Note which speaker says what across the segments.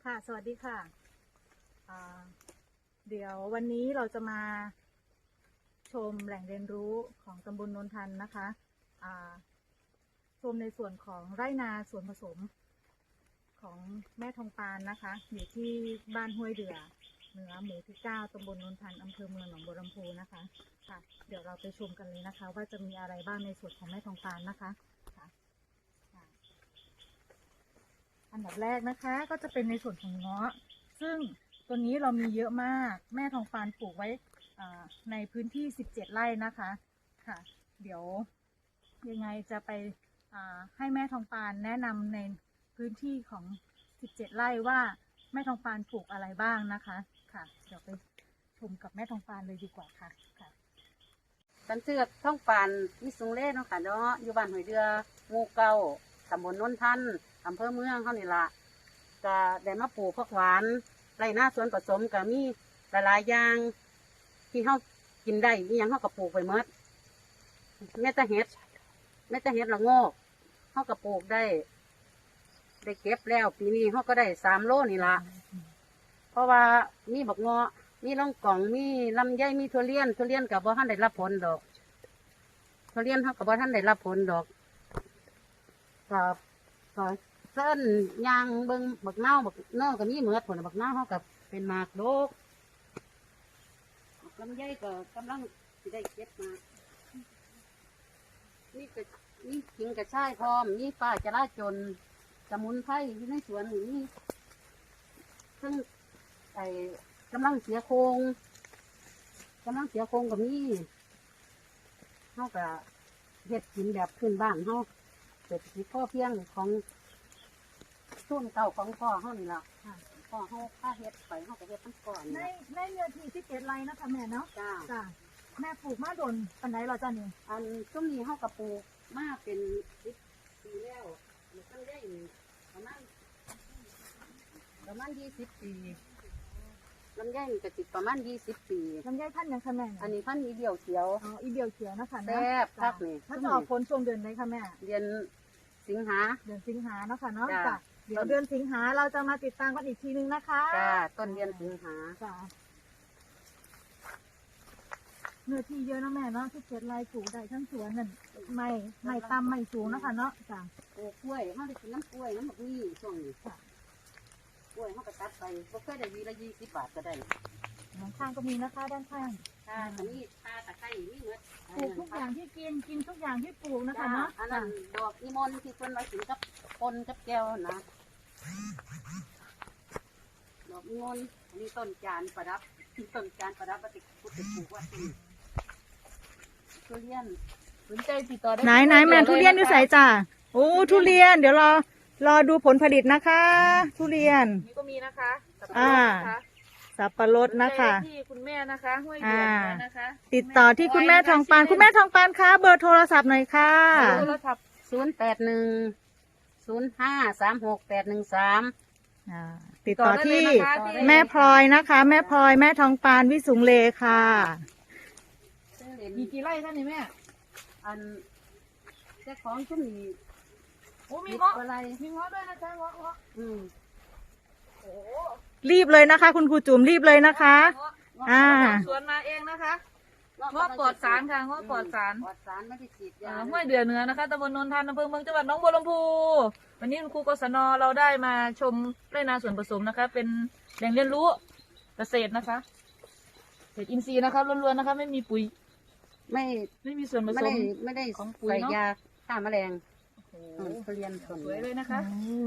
Speaker 1: ค่ะสวัสดีค่ะเดี๋ยววันนี้เราจะมาชมแหล่งเรียนรู้ของตำบลโนนทันนะคะชมในส่วนของไร่นาส่วนผสมของแม่ทองปานนะคะอยู่ที่บ้านห้วยเดือเหนือหมู่ที่9ตำบลโนนทันอำเภอเมืองหนองบัวลำพูนะคะค่ะเดี๋ยวเราไปชมกันเลยนะคะว่าจะมีอะไรบ้างในส่วนของแม่ทองปานนะคะค่ะอันดับแรกนะคะก็จะเป็นในส่วนของเงาะซึ่งตัวนี้เรามีเยอะมากแม่ทองปานปลูกไว้ในพื้นที่17 ไร่นะคะค่ะเดี๋ยวยังไงจะไปให้แม่ทองปานแนะนำในพื้นที่ของ17 ไร่ว่าแม่ทองปานปลูกอะไรบ้างนะคะค่ะเดี๋ยวไปชมกับแม่ทองปานเลยดีกว่าค่ะค่ะ
Speaker 2: ฉันชื่อท่องปานวิสุงเล่เนาะค่ะเนาะอยู่บ้านหอยเดือหมู่เก้าตำบลโนนทันอำเภอเมืองเขานี่ละก็ได้มาปลูกผักหวานไรหน้าสวนผสมก็มีหลายๆอย่างที่เขากินได้มีอย่างเขาก็ปลูกไปหมดแม่ตะเห็ดละโงกเขาก็ปลูกได้เก็บแล้วปีนี้เขาก็ได้3 โลนี่ละเพราะว่ามีบักเงาะมีล่องกล่องมีลำไยมีทุเรียนกับบ่ท่านได้รับผลดอกทุเรียนเขากับบ่ท่านได้รับผลดอกก็เส้นยางเบิ้งบักเน่าก็มีเหมือดผลบักเน่าเขากับเป็นหมากโดกลำไยก็กำลังสิได้เก็บมามีขิงกระชายพร้อมมีป้าจะราจนสมุนไพรอยู่ในสวนนี่ซึ่งกำลังเสียโครงกับนี่เขากับเฮ็ดกินแบบพื้นบ้านเขาเศรษฐกิจพอเพียงของส่วนเก่าของพ่อเขานี่แหละพ่อเขาค่าเฮ็ดไปเขาก็เฮ็ดทั้งก่อน
Speaker 1: ในเนื้อที่17 ไร่นะคะแม่เนาะ
Speaker 2: จ้า
Speaker 1: แม่ปลูกมาโดนปันไหนเราจ้านี่
Speaker 2: อันช่วงนี้เขากับปลูกมาเป็น10 ปีแล้วมันตั้งได้ประมาณ20 ปีลำไยมันจะติดประมาณ20 ปี
Speaker 1: ลำไยพันธุ์ยังคะแม่
Speaker 2: อันนี้พันธุ์อีเดียวเขียว
Speaker 1: อีเดียวเขียวนะคะ
Speaker 2: แซ่บคักนี่
Speaker 1: ถ้าจะออกผลช่วงเดือนไหนคะแม่
Speaker 2: เดือนสิงหา
Speaker 1: เนาะค่ะเนาะจ้ะเดี๋ยวเดือนสิงหาเราจะมาติดตามกันอีกทีนึงนะคะ
Speaker 2: จ้าต้นเดือนสิงหา
Speaker 1: จ้ะเนื้อที่เยอะนะแม่เนาะ17 ไร่ปลูกได้ทั้งสวนนั่นไม่ต่ำไม่สูงนะคะเนาะจ้ะ
Speaker 2: ปลูกกล้วยเขาได้กินน้ำกล้วยน้ำบักนี่ช่วงนี้กล้วยเขาก็ตัดไปก็เคยได้วีละ20 บาทก็ได้
Speaker 1: ด้านข้างก็มีนะคะด้านข้าง
Speaker 2: อันนี้ตะไคร้นี่เหมือน
Speaker 1: ปลูกทุกอย่างที่กินทุกอย่างที่ปลูกนะคะเนาะ
Speaker 2: อันนั้นดอกนิมนต์ที่คนไว้กินกับปนกับแก้วนะดอกนิมนต์อันนี้ต้นจานประดับปฏิพุทธปลูกว่าทุเรียนสนใจติดต่อได้
Speaker 1: ไหนแม่ทุเรียนอยู่ใส่จ้าโอ้ทุเรียนเดี๋ยวรอดูผลผลิตนะคะทุเรียน
Speaker 2: นี่ก็มีนะคะ
Speaker 1: สับปะรดนะคะ
Speaker 2: ที่คุณแม่นะคะห้วยเดือนะคะ
Speaker 1: ติดต่อที่คุณแม่ทองปานคะเบอร์โทรศัพท์หน่อยค่ะ
Speaker 2: โทรศัพท์081 0536 813
Speaker 1: ติดต่อที่แม่พลอยนะคะแม่พลอยแม่ทองปานวิสุงเลค่ะ
Speaker 2: มีกี่ไร่ท่านนี่แม่อันเจ้าของฉันมี
Speaker 1: โอ้มีเงาะ
Speaker 2: อะไร
Speaker 1: มีเงาะด้วยนะจ๊ะเงาะ
Speaker 2: โอ้
Speaker 1: รีบเลยนะคะคุณครูจุ๋มรีบเลยนะคะ
Speaker 2: สวนมาเองนะคะเงาะปลอดสารค่ะเงาะปลอดสารไม่ได้ฉีดยาห้วยเดือเหนือนะคะตำบลโนนทันอำเภอเมืองจังหวัดหนองบัวลำพูวันนี้คุณครูกศน.เราได้มาชมไร่นาสวนผสมนะคะเป็นแหล่งเรียนรู้เกษตรนะคะเกษตรอินทรีย์นะคะล้วนๆนะคะไม่มีปุ๋ยไม่มีส่วนผสมไม่ได้ของปุ๋ยยาฆ่าแมลงทุเรียนสวยเลยนะคะ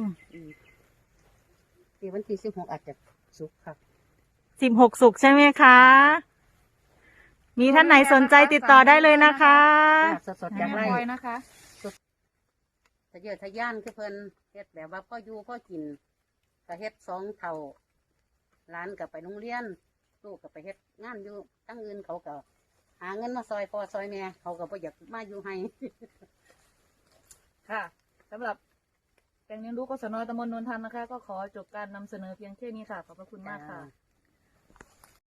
Speaker 2: ปีวันที่16อาจจะสุกค่ะ
Speaker 1: 16 สุกใช่ไหมคะมีท่านไหนสนใจติดต่อได้เลยนะคะ
Speaker 2: สดๆจากไร่นะคะทะเยอทะยานคือเพิ่นเฮ็ดแบบว่าพ่ออยู่พ่อกินก็เฮ็ด2 เท่าร้านกับไปโรงเรียนลูกกับไปเฮ็ดงานอยู่ตั้งอื่นเขาก็หาเงินมาซอยพ่อซอยแม่เขาก็บ่อยากมาอยู่ให้ค่ะสำหรับแหล่งเรียนรู้กศน.ตำบลโนนทันนะคะก็ขอจบการนำเสนอเพียงแค่นี้ค่ะขอบพระคุณมากค่ะ